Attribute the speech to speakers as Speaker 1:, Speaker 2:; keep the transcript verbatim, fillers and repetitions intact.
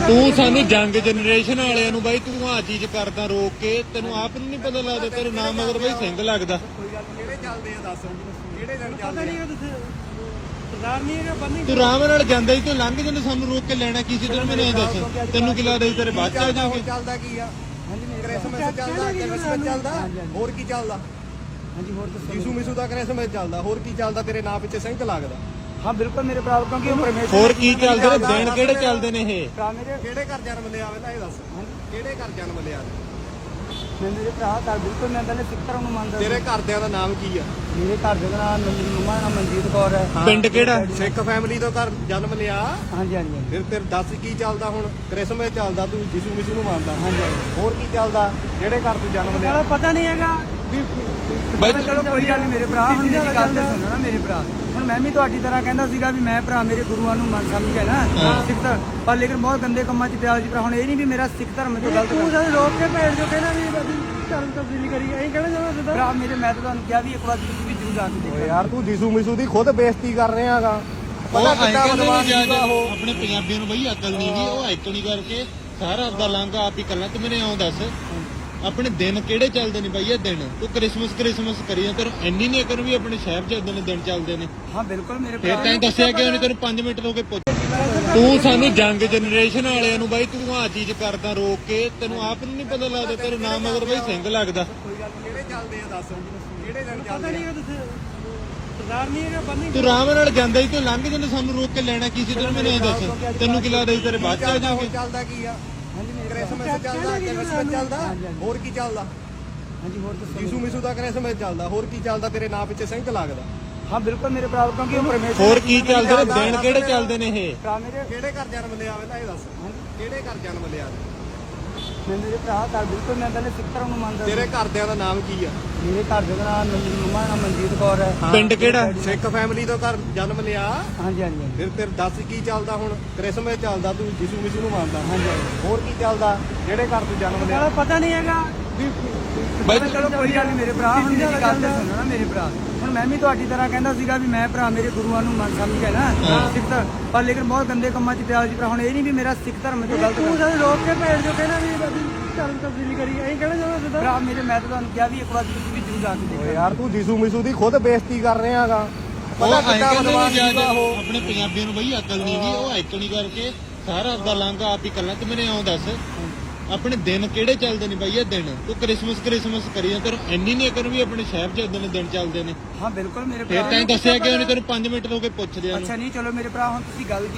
Speaker 1: ਤੂੰ ਸਾਨੂੰ ਜੰਗ ਜਨਰੇਸ਼ਨ ਵਾਲਿਆਂ ਨੂੰ ਬਾਈ ਤੂੰ ਆ ਚੀਜ਼ ਕਰਦਾ ਰੋਕ ਕੇ ਤੈਨੂੰ ਆਪ ਨੂੰ ਨਹੀਂ ਪਤਾ ਲੱਗਦਾ ਤੇਰੇ ਨਾਮ ਮਗਰ ਬਾਈ ਸਿੰਘ ਲੱਗਦਾ।
Speaker 2: ਕਿਹੜੇ ਚੱਲਦੇ ਆ ਦੱਸ ਕਿਹੜੇ ਦਿਨ ਚੱਲਦੇ ਆ?
Speaker 3: ਸਰਦਾਰ ਨਹੀਂ ਹੈਗਾ ਬੰਨੀ
Speaker 1: ਤੂੰ ਆਰਾਮ ਨਾਲ ਜਾਂਦਾ ਹੀ ਤੂੰ ਲੰਘ ਜਾਂਦਾ ਸਾਨੂੰ ਰੋਕ ਕੇ ਲੈਣਾ ਕੀ ਸੀ ਤੈਨੂੰ ਮੈਨੂੰ ਇਹ ਦੱਸ ਤੈਨੂੰ ਕੀ ਲੱਗਦਾ ਸੀ ਤੇਰੇ ਬਾਅਦ ਚ ਆ ਜਾਵਾਂਗੇ।
Speaker 2: ਚੱਲਦਾ ਕੀ ਆ? ਕ੍ਰਿਸਮਸ ਚੱਲਦਾ ਕ੍ਰਿਸਮਸ ਚੱਲਦਾ ਹੋਰ ਕੀ ਚੱਲਦਾ?
Speaker 3: ਹਾਂਜੀ ਹੋਰ ਦੱਸੋ।
Speaker 2: ਯਿਸੂ ਮਿਸੂ ਦਾ ਕ੍ਰਿਸਮਸ ਚੱਲਦਾ ਹੋਰ ਕੀ ਚੱਲਦਾ? ਤੇਰੇ ਨਾਂ ਪਿੱਛੇ ਸਿੰਘ ਲੱਗਦਾ।
Speaker 3: ਹਾਂ ਬਿਲਕੁਲ ਮੇਰੇ ਭਰਾ ਕਿਉਂਕਿ ਉਹ ਪਰਮੇਸ਼ਰ
Speaker 1: ਹੋਰ ਕੀ ਚੱਲਦੇ ਨੇ ਦਿਨ ਕਿਹੜੇ ਚੱਲਦੇ ਨੇ ਇਹ?
Speaker 3: ਭਰਾ ਮੇਰੇ
Speaker 2: ਕਿਹੜੇ ਘਰ ਜਨਮ ਲਿਆ ਪਹਿਲਾਂ ਇਹ ਦੱਸ ਕਿਹੜੇ ਘਰ ਜਨਮ ਲਿਆ?
Speaker 3: ਮੈਂ ਮੇਰੇ ਭਰਾ ਘਰ ਬਿਲਕੁਲ ਮੈਂ ਪਹਿਲੇ ਸਿੱਖ ਧਰਮ ਨੂੰ ਮੰਨਦਾ।
Speaker 2: ਤੇਰੇ ਘਰਦਿਆਂ ਦਾ ਨਾਮ ਕੀ ਆ?
Speaker 3: ਮੇਰੇ ਘਰ ਦੇ ਨਾਮ ਮੇਰੀ ਮੰਮਾ ਦਾ ਨਾਮ ਮਨਜੀਤ ਕੌਰ ਹੈ।
Speaker 1: ਪਿੰਡ ਕਿਹੜਾ?
Speaker 2: ਸਿੱਖ ਫੈਮਿਲੀ ਤੋਂ ਘਰ ਜਨਮ ਲਿਆ।
Speaker 3: ਹਾਂਜੀ ਹਾਂਜੀ
Speaker 2: ਫਿਰ ਤੇਰੇ ਦੱਸ ਕੀ ਚੱਲਦਾ ਹੁਣ? ਕ੍ਰਿਸਮਸ ਚੱਲਦਾ ਤੂੰ ਯਿਸੂ ਮਿਸੂ ਨੂੰ ਮੰਨਦਾ।
Speaker 3: ਹਾਂਜੀ
Speaker 2: ਹੋਰ ਕੀ ਚੱਲਦਾ? ਜਿਹੜੇ ਘਰ ਤੂੰ ਜਨਮ ਲਿਆ?
Speaker 3: ਪਤਾ ਨਹੀਂ ਹੈਗਾ
Speaker 1: ਬਾਈ
Speaker 3: ਚਲੋ ਕੋਈ ਗੱਲ ਨਹੀਂ ਮੇਰੇ ਭਰਾ ਹੁਣ ਮੇਰੀ ਗੱਲ ਤੇ ਸੁਣੋ ਨਾ ਮੇਰੇ ਭਰਾ। ਹੁਣ ਮੈਂ ਵੀ ਤੁਹਾਡੀ ਤਰ੍ਹਾਂ ਕਹਿੰਦਾ ਸੀਗਾ ਵੀ ਮੈਂ ਭਰਾ ਮੇਰੇ ਗੁਰੂਆਂ ਨੂੰ ਮੰਨ ਸਮਝ ਹੈ ਨਾ ਸਿੱਖ ਧਰਮ ਪਰ ਲੇਕਿਨ ਬਹੁਤ ਗੰਦੇ ਕੰਮਾਂ 'ਚ ਪਿਆ ਜੀ ਭਰਾ। ਹੁਣ ਇਹ ਨਹੀਂ ਵੀ ਮੇਰਾ ਸਿੱਖ ਧਰਮ ਤੋਂ ਗਲਤ ਤੂੰ ਸਾਨੂੰ ਰੋਕ ਕੇ ਭੇਜ ਜੋ ਕਹਿੰਦਾ ਵੀ ਅਸੀਂ ਧਰਮ ਤਬਦੀਲੀ ਕਰੀ ਐਂ ਕਹਿਣਾ ਚਾਹੁੰਦਾ ਭਰਾ ਮੇਰੇ ਮੈਂ ਤਾਂ ਤੁਹਾਨੂੰ ਕਿਹਾ ਵੀ ਇੱਕ ਵਾਰ ਤੁਸੀਂ ਵੀ ਜ਼ਰੂਰ ਆ ਕੇ ਦੇਖੋ।
Speaker 2: ਓਏ ਯਾਰ ਤੂੰ ਯਿਸੂ ਮਿਸੂ ਦੀ ਖੁਦ ਬੇਇੱਜ਼ਤੀ ਕਰ ਰਿਹਾ ਹੈਗਾ।
Speaker 1: ਉਹ
Speaker 2: ਪਤਾ
Speaker 1: ਐਂ
Speaker 2: ਕਿੱਦਾਂ
Speaker 1: ਕਹਿੰਦੇ
Speaker 2: ਬਦਮਾਸ਼
Speaker 1: ਨੇ
Speaker 2: ਸੀਗਾ ਉਹ।
Speaker 1: ਆਪਣੇ ਪੰਜਾਬੀਆਂ ਨੂੰ ਬਈ ਅਕਲ ਨਹੀਂ ਗਈ ਉਹ ਐਕਣੀ ਕਰਕੇ ਸਾਰਾ ਆਪਦਾ ਲਾਂਘਾ ਆਪ ਹੀ ਕਰਨਾ। ਤੂੰ ਮੈਨੂੰ ਆਉਂ ਦੱਸ ਆਪਣੇ ਦਿਨ ਕਿਹੜੇ ਚੱਲਦੇ ਨੇ ਬਾਈ ਇਹ ਦਿਨ? ਤੂੰ ਕ੍ਰਿਸਮਸ ਕ੍ਰਿਸਮਸ ਕਰੀ ਜਾਂਦਾ ਤੈਨੂੰ ਇੰਨੀ ਨਹੀਂ ਅਕਲ ਵੀ ਆਪਣੇ ਸ਼ਹਿਰ 'ਚ ਇਦਾਂ ਦੇ ਦਿਨ ਚੱਲਦੇ ਨੇ।
Speaker 3: ਹਾਂ ਬਿਲਕੁਲ ਮੇਰੇ
Speaker 1: ਫਿਰ ਤੈਨੂੰ ਦੱਸਿਆ ਕਿ ਉਹਨੇ ਤੈਨੂੰ ਪੰਜ ਮਿੰਟ ਹੋ ਕੇ ਪੁੱਛ ਤੂੰ ਸਾਨੂੰ ਜੰਗ ਜਨਰੇਸ਼ਨ ਵਾਲਿਆਂ ਨੂੰ ਬਾਈ ਤੂੰ ਆ ਚੀਜ਼ ਕਰਦਾ ਰੋਕ ਕੇ ਤੈਨੂੰ ਆਪ ਨੂੰ ਨਹੀਂ ਪਤਾ ਲੱਗਦਾ ਤੇਰੇ ਨਾਮ ਮਗਰ ਬਾਈ ਸਿੰਘ ਲੱਗਦਾ।
Speaker 2: ਕਿਹੜੇ ਚੱਲਦੇ ਆ ਦੱਸ ਕਿਹੜੇ ਦਿਨ ਚੱਲਦੇ ਆ?
Speaker 3: ਸਰਦਾਰ ਨਹੀਂ ਹੈਗਾ ਬੰਨੀ
Speaker 1: ਤੂੰ ਆਰਾਮ ਨਾਲ ਜਾਂਦਾ ਹੀ ਤੂੰ ਲੰਘ ਜਾਂਦਾ ਸਾਨੂੰ ਰੋਕ ਕੇ ਲੈਣਾ ਕੀ ਸੀ ਤੈਨੂੰ ਮੈਨੂੰ ਇਹ ਦੱਸ ਤੈਨੂੰ ਕੀ ਲੱਗਦਾ ਸੀ ਤੇਰੇ ਬਾਅਦ ਚ ਆ
Speaker 2: ਚੱਲਦਾ
Speaker 1: ਜਾਵਾਂਗੇ।
Speaker 2: ਚੱਲਦਾ ਕੀ ਆ? ਕ੍ਰਿਸਮਸ ਚੱਲਦਾ ਕ੍ਰਿਸਮਸ ਚੱਲਦਾ ਹੋਰ ਕੀ ਚੱਲਦਾ?
Speaker 3: ਹਾਂਜੀ ਹੋਰ ਦੱਸੋ।
Speaker 2: ਯਿਸੂ ਮਿਸੂ ਦਾ ਕ੍ਰਿਸਮਸ ਚੱਲਦਾ ਹੋਰ ਕੀ ਚੱਲਦਾ? ਤੇਰੇ ਨਾਂ ਪਿੱਛੇ ਸਿੰਘ ਲੱਗਦਾ।
Speaker 3: ਹਾਂ ਬਿਲਕੁਲ ਮੇਰੇ ਭਰਾ ਕਿਉਂਕਿ ਉਹ ਪਰਮੇਸ਼ਰ
Speaker 1: ਹੋਰ ਕੀ ਚੱਲਦੇ ਨੇ ਦਿਨ ਕਿਹੜੇ ਚੱਲਦੇ ਨੇ ਇਹ?
Speaker 3: ਭਰਾ ਮੇਰੇ
Speaker 2: ਕਿਹੜੇ ਘਰ ਜਨਮ ਲਿਆ ਪਹਿਲਾਂ ਇਹ ਦੱਸ ਕਿਹੜੇ ਘਰ ਜਨਮ ਲਿਆ?
Speaker 3: ਮੈਂ ਮੇਰੇ ਭਰਾ ਘਰ ਬਿਲਕੁਲ ਮੈਂ ਪਹਿਲੇ ਸਿੱਖ ਧਰਮ ਨੂੰ ਮੰਨਦਾ।
Speaker 2: ਤੇਰੇ ਘਰਦਿਆਂ ਦਾ ਨਾਮ ਕੀ ਆ?
Speaker 3: ਮੇਰੇ ਘਰ ਦੇ ਨਾਮ ਮੇਰੀ ਮੰਮਾ ਦਾ ਨਾਮ ਮਨਜੀਤ ਕੌਰ ਹੈ।
Speaker 1: ਪਿੰਡ ਕਿਹੜਾ?
Speaker 2: ਸਿੱਖ ਫੈਮਿਲੀ ਤੋਂ ਘਰ ਜਨਮ ਲਿਆ।
Speaker 3: ਹਾਂਜੀ ਹਾਂਜੀ
Speaker 2: ਫਿਰ ਤੇਰੇ ਦੱਸ ਕੀ ਚੱਲਦਾ ਹੁਣ? ਕ੍ਰਿਸਮਸ ਚੱਲਦਾ ਤੂੰ ਯਿਸੂ ਮਿਸੂ ਨੂੰ ਮੰਨਦਾ।
Speaker 3: ਹਾਂਜੀ
Speaker 2: ਹੋਰ ਕੀ ਚੱਲਦਾ? ਜਿਹੜੇ ਘਰ ਤੂੰ ਜਨਮ ਲਿਆ?
Speaker 3: ਪਤਾ ਨਹੀਂ ਹੈਗਾ
Speaker 1: ਬਾਈ
Speaker 3: ਚਲੋ ਕੋਈ ਗੱਲ ਨਹੀਂ ਮੇਰੇ ਭਰਾ ਹੁਣ ਮੇਰੀ ਗੱਲ ਤੇ ਸੁਣੋ ਨਾ ਮੇਰੇ ਭਰਾ। ਹੁਣ ਮੈਂ ਵੀ ਤੁਹਾਡੀ ਤਰ੍ਹਾਂ ਕਹਿੰਦਾ ਸੀਗਾ ਵੀ ਮੈਂ ਭਰਾ ਮੇਰੇ ਗੁਰੂਆਂ ਨੂੰ ਮੰਨ ਸਮਝ ਹੈ ਨਾ ਸਿੱਖ ਧਰਮ ਪਰ ਲੇਕਿਨ ਬਹੁਤ ਗੰਦੇ ਕੰਮਾਂ 'ਚ ਪਿਆ ਜੀ ਭਰਾ। ਹੁਣ ਇਹ ਨਹੀਂ ਵੀ ਮੇਰਾ ਸਿੱਖ ਧਰਮ ਤੋਂ ਗਲਤ ਤੂੰ ਸਾਨੂੰ ਰੋਕ ਕੇ ਭੇਜ ਜੋ ਕਹਿੰਦਾ ਵੀ ਅਸੀਂ ਧਰਮ ਤਬਦੀਲੀ ਕਰੀ ਐਂ ਕਹਿਣਾ ਚਾਹੁੰਦਾ ਭਰਾ ਮੇਰੇ ਮੈਂ ਤਾਂ ਤੁਹਾਨੂੰ ਕਿਹਾ ਵੀ ਇੱਕ ਵਾਰ ਤੁਸੀਂ ਵੀ ਜ਼ਰੂਰ ਆ ਕੇ ਦੇਖੋ।
Speaker 2: ਓਏ ਯਾਰ ਤੂੰ ਯਿਸੂ ਮਿਸੂ ਦੀ ਖੁਦ ਬੇਇੱਜ਼ਤੀ ਕਰ ਰਿਹਾ ਹੈਗਾ।
Speaker 1: ਉਹ
Speaker 2: ਪਤਾ
Speaker 1: ਐਂ
Speaker 2: ਕਿੱਦਾਂ
Speaker 1: ਕਹਿੰਦੇ
Speaker 2: ਬਦਮਾਸ਼
Speaker 1: ਨੇ
Speaker 2: ਸੀਗਾ ਉਹ।
Speaker 1: ਆਪਣੇ ਪੰਜਾਬੀਆਂ ਨੂੰ ਬਈ ਅਕਲ ਨਹੀਂ ਗਈ ਉਹ ਐਕਣੀ ਕਰਕੇ ਸਾਰਾ ਆਪਦਾ ਲਾਂਘਾ ਆਪ ਹੀ ਕਰਨਾ। ਤੂੰ ਮੈਨੂੰ ਆਉਂ ਦੱਸ ਆਪਣੇ ਦਿਨ ਕਿਹੜੇ ਚੱਲਦੇ ਨੇ ਬਾਈ ਇਹ ਦਿਨ? ਤੂੰ ਕ੍ਰਿਸਮਸ ਕ੍ਰਿਸਮਸ ਕਰੀ ਜਾਂਦਾ ਤੈਨੂੰ ਇੰਨੀ ਨਹੀਂ ਅਕਲ ਵੀ ਆਪਣੇ ਸ਼ਹਿਰ 'ਚ ਇਦਾਂ ਦੇ ਦਿਨ ਚੱਲਦੇ ਨੇ।
Speaker 3: ਹਾਂ ਬਿਲਕੁਲ ਮੇਰੇ
Speaker 1: ਫਿਰ
Speaker 3: ਭਰਾ
Speaker 1: ਤੈਨੂੰ ਦੱਸਿਆ ਕਿ ਉਹਨੇ ਤੈਨੂੰ ਪੰਜ ਮਿੰਟ ਹੋ ਕੇ ਪੁੱਛ ਲਿਆ।
Speaker 3: ਅੱਛਾ ਨਹੀਂ ਚਲੋ ਮੇਰੇ ਭਰਾ ਹੁਣ ਤੁਸੀਂ ਗੱਲ